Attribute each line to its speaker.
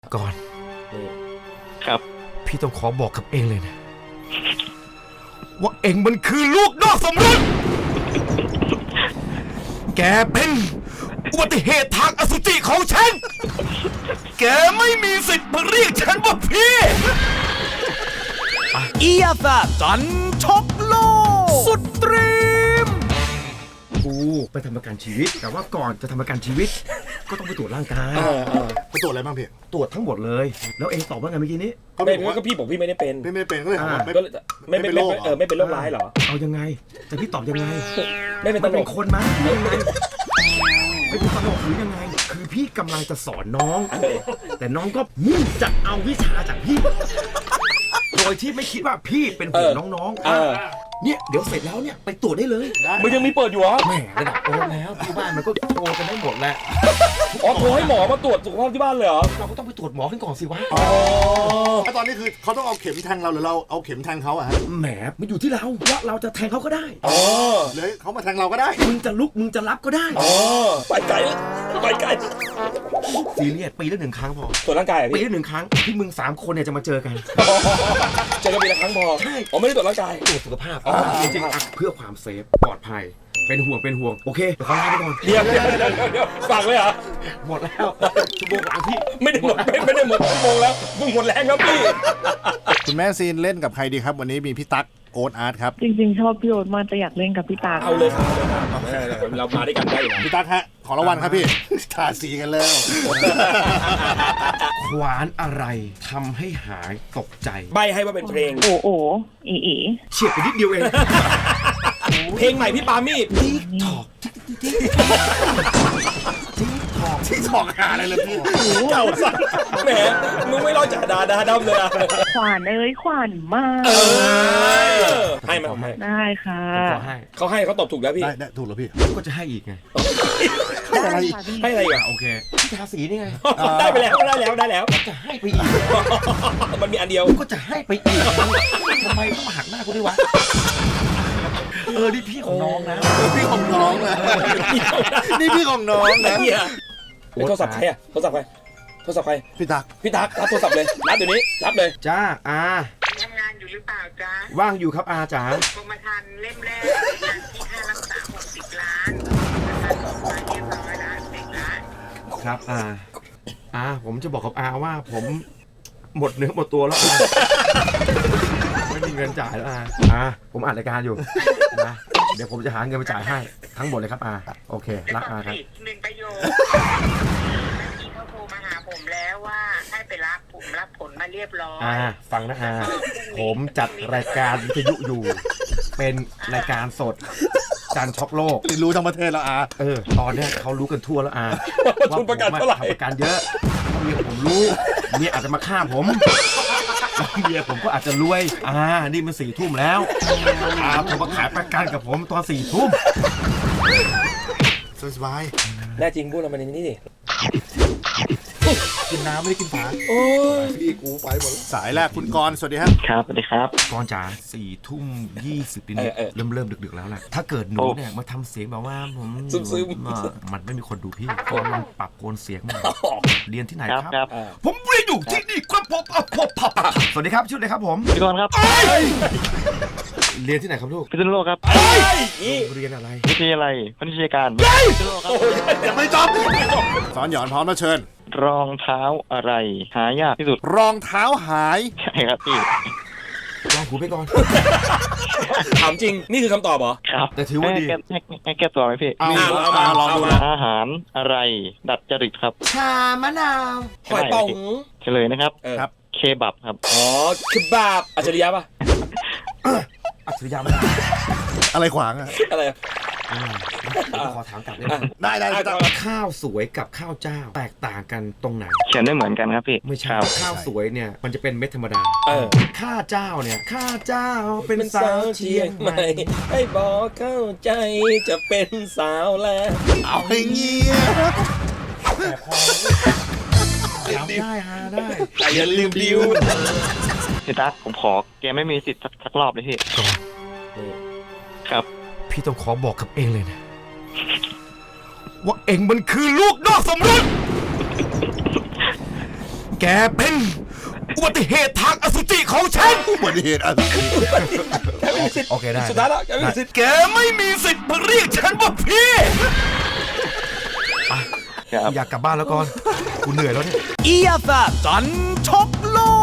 Speaker 1: ก่อน
Speaker 2: ครับ
Speaker 1: พี่ต้องขอบอกกับเองเลยนะว่าเองมันคือลูกนอกสมรสแกเป็นอุบัติเหตุทางอสุจิของฉันแกไม่มีสิทธิ์มาเรียกฉันว่าพี่
Speaker 3: อียาซาจันชกโลกสุดตรีม
Speaker 1: กูไปทำประกันชีวิตแต่ว่าก่อนจะทำประกันชีวิตก็ต้องไปตรวจร่างกาย
Speaker 4: ไปตรวจอะไรบ้างพี่
Speaker 1: ตรวจทั้งหมดเลยแล้วเองตอบว่าไงเมื่อกี้นี้
Speaker 5: ก็พี่บอกพี่ไม่ได้เป็น
Speaker 4: ไม่เป็นก็เลยถามว่า
Speaker 5: ไม่เป็นโรคไม่เป็นโรคร้ายเหรอ
Speaker 1: เอายังไงแต่พี่ตอบยังไง
Speaker 5: ไม่เป็นตลก
Speaker 1: คนมั้ยยังไงไม่เป็นตลกหรือยังไงคือพี่กำลังจะสอนน้องแต่น้องก็มุ่งจะเอาวิชาจากพี่โดยที่ไม่คิดว่าพี่เป็นห่วงน้องๆเนี่ยเดี๋ยวเสร็จแล้วเนี่ยไปตรวจได้เลย
Speaker 5: มันยังมีเปิดอยู่เหรอ
Speaker 1: แหมระดับโอ๊ตแล้วที่บ้านมันก็โทรกันได้หมดแหละ
Speaker 5: โทรให้หมอมาตรวจสุขภาพที่บ้านเลยเหรอ
Speaker 1: เราก็ต้องไปตรวจหมอกันก่อนสิวะ
Speaker 4: ตอนนี้คือเขาต้องเอาเข็มแทงเราหรือเราเอาเข็มแทงเขาอะฮะ
Speaker 1: แหมมันอยู่ที่เราว่าเราจะแทงเขาก็ได้
Speaker 4: เลยเขามาแทงเราก็ได้
Speaker 1: มึงจะลุกมึงจะรับก็ได้
Speaker 5: ไปไกลไปไกล
Speaker 1: ซีเรียสปีละ1 ครั้งพอ
Speaker 5: ตรวจร่างกาย
Speaker 1: ปีละ1 ครั้งที่มึง3 คนเนี่ยจะมาเจอกัน
Speaker 5: เจอกันปีละครั้งพอ
Speaker 1: ใช่
Speaker 5: ไม่ได้ตรวจร่างกาย
Speaker 1: ตรวจสุขภาพจริงๆเพื่อความเซฟปลอดภัยเป็นห่วงโอเคเดี๋ยวเขาลาไปก่อน
Speaker 5: เดี๋ยวฝากไว้เหรอ
Speaker 1: หมดแล้วชั่วโมงหลังพี่
Speaker 5: ไม่ได้หมดชั่วโมงแล้วมึงหมดแรงครับพี่
Speaker 4: คุณแม่ซีนเล่นกับใครดีครับวันนี้มีพี่ตั๊กโอ๊ตอาร์ตครับ
Speaker 6: จริงๆชอบพี่โอ๊ตมากแต่อยากเล่นกับพี่ตั๊ก
Speaker 5: เอาเลยครับเรามาด้วยกันได้อยู่
Speaker 4: พี่ตั๊กฮะขอรางวัลครับพี่ทาสีกันแล้ว
Speaker 1: ขวานอะไรทำให้หายตกใจ
Speaker 5: ใบให้ว่าเป็นเพลง
Speaker 6: โอ้อี
Speaker 1: เฉียดไปนิดเดียวเอง
Speaker 5: เพลงใหม่พี่ปามี่
Speaker 1: ติ๊กถอก
Speaker 4: ที่ถอกหาอะไรเลยพี่
Speaker 5: เก่าสัสแหมมึงไม่รอดจากดาดำเลยอะ
Speaker 6: ขวานขวานมาก
Speaker 5: ให้มา
Speaker 6: ได้ค่ะ
Speaker 5: เขาให้เขาตอบถูกแล้วพี่
Speaker 4: ได้ถูกแล้วพี่
Speaker 1: ก็จะให้อีกไง
Speaker 5: ให้อะไรอีก
Speaker 1: โอเคพี่ทาสีนี่ไง
Speaker 5: ได้ไปแล้ว
Speaker 1: จะให้ไปอีก
Speaker 5: มันมีอันเดียว
Speaker 1: ก็จะให้ไปอีกทำไมต้องมาหักหน้ากูด้วยวะนี่พี่ของน้องนะ
Speaker 4: พี่ของน้องนะนี่พี่ของน้องนะ
Speaker 5: โทรศัพท์ใครอะโทรศัพท์ใคร
Speaker 4: พี่ตั๊ก
Speaker 5: รับโทรศัพท์เลยรับเดี๋ยวนี้รับเลย
Speaker 1: จ้า
Speaker 7: ทำงานอยู่หรือเปล่าจ๊ะ
Speaker 1: ว่างอยู่ครับจ๋าก
Speaker 7: รมธรรม์เล่มแรกงานที่ค่ารักษา60 ล้านมาเรียบร้อยแล้ว10 ล้าน
Speaker 1: ครับผมจะบอกกับว่าผมหมดเนื้อหมดตัวแล้วไม่มีเงินจ่ายแล้วผมอัดรายการอยู่นะเดี๋ยวผมจะหาเงินมาจ่ายให้ทั้งหมดเลยครับโอเครักครับ
Speaker 7: 1 ประโยคเขาโทรมาหาผมแล้วว่าให้ไปรับผลมาเรียบร้อย
Speaker 1: ฟังนะผมจัดรายการวิทยุอยู่เป็นรายการสดจันช็อกโลก
Speaker 4: รู้ทั้งประเทศแล้ว
Speaker 1: ตอนนี้เขารู้กันทั่วแล้ว
Speaker 5: ว่าทุนประกันเท่าไหร่
Speaker 1: ทำประกันเยอะเมียผมรู้เมียอาจจะมาฆ่าผมเมียผมก็อาจจะรวยนี่มัน4 ทุ่มแล้วผมมาขายประกันกับผมตอน4 ทุ่ม
Speaker 4: สบาย
Speaker 5: แน่จริงพูดเรามาในนี้ดิ
Speaker 4: กินน้ำไม่ได้กินฝาพี่กูไปหมดสายแรกคุณกรณ์สวัสดีครับ
Speaker 2: สวัสดีครับ
Speaker 1: กรณ์จ๋า4 ทุ่ม 20นิดเริ่มดึกๆแล้วแหละถ้าเกิดหนูเนี่ยมาทำเสียงแบบว่าผม
Speaker 5: ซึม
Speaker 1: มันไม่มีคนดูพี่เพราะมันปรับโกนเสียงมาเรียนที่ไหนครับผมเรียนอยู่ที่นี่ครับผมสวัสดีครับชื่ออะไรครับผม
Speaker 2: พี่กรณ์ครับ
Speaker 1: เรียนที่ไหนครับลูก
Speaker 2: พิษณุโลกครับ
Speaker 1: เรียนอะไร
Speaker 2: วิทยาลัยพนิชยการ
Speaker 4: ยังไม่จบสอนหยอนพร้อมแล้วเชิญ
Speaker 2: รองเท้าอะไรหายากที่สุด
Speaker 4: รองเท้าหาย
Speaker 2: ใช่ครับพี่
Speaker 1: ลองหูไปก่อน
Speaker 5: ถามจริงนี่คือคำตอบเหรอ
Speaker 2: ครับ
Speaker 1: แต่ถือว่าดี
Speaker 2: ให้แก้ตัวไหมพี่
Speaker 4: ลองดู
Speaker 2: อาหารอะไรดัดจริตครับ
Speaker 1: ชามะนาว
Speaker 5: หอยป่อง
Speaker 2: เฉลยนะครับ
Speaker 4: ครับ
Speaker 2: เคบับครับ
Speaker 5: เคบับอัจฉริยะป่ะ
Speaker 1: อัจฉริยะไม่
Speaker 4: อะไรขวาง
Speaker 5: อะไร
Speaker 1: ขอถามกลับ
Speaker 4: ได้
Speaker 1: ข้าวสวยกับข้าวเจ้าแตกต่างกันตรงไหน
Speaker 2: เขียนได้เหมือนกันครับพี่
Speaker 1: ไม่ใช่ข้าวสวยเนี่ยมันจะเป็นเม็ดธรรมดาข้าเจ้าเนี่ยข้าเจ้าเป็นสาวเชียงใหม่
Speaker 5: ให้บอกเข้าใจจะเป็นสาวแล้ว
Speaker 4: เอาให้เงี้ย
Speaker 1: ได้
Speaker 5: แต่อย่าลืมดิว
Speaker 2: พี่ตั๊กผมขอแกไม่มีสิทธิ์สักรอบเลยพี่ครับ
Speaker 1: พี่ต้องขอบอกกับเองเลยนะว่าเองมันคือลูกนอกสมรสแกเป็นอุบัติเหตุทางอสุจิของฉัน
Speaker 4: อุบัติเหตุอะไร
Speaker 5: แกไม่มีสิทธิ์
Speaker 1: โอเคได้
Speaker 5: สุดท้ายแล้วแกไม่มีสิทธิ์
Speaker 1: แกไม่มีสิทธิ์มาเรียกฉันว่าพี่
Speaker 2: ครับ
Speaker 1: อยากกลับบ้านแล้วก่อนกูเหนื่อยแล้วเนี่ย
Speaker 3: อียาแซจันทบโลก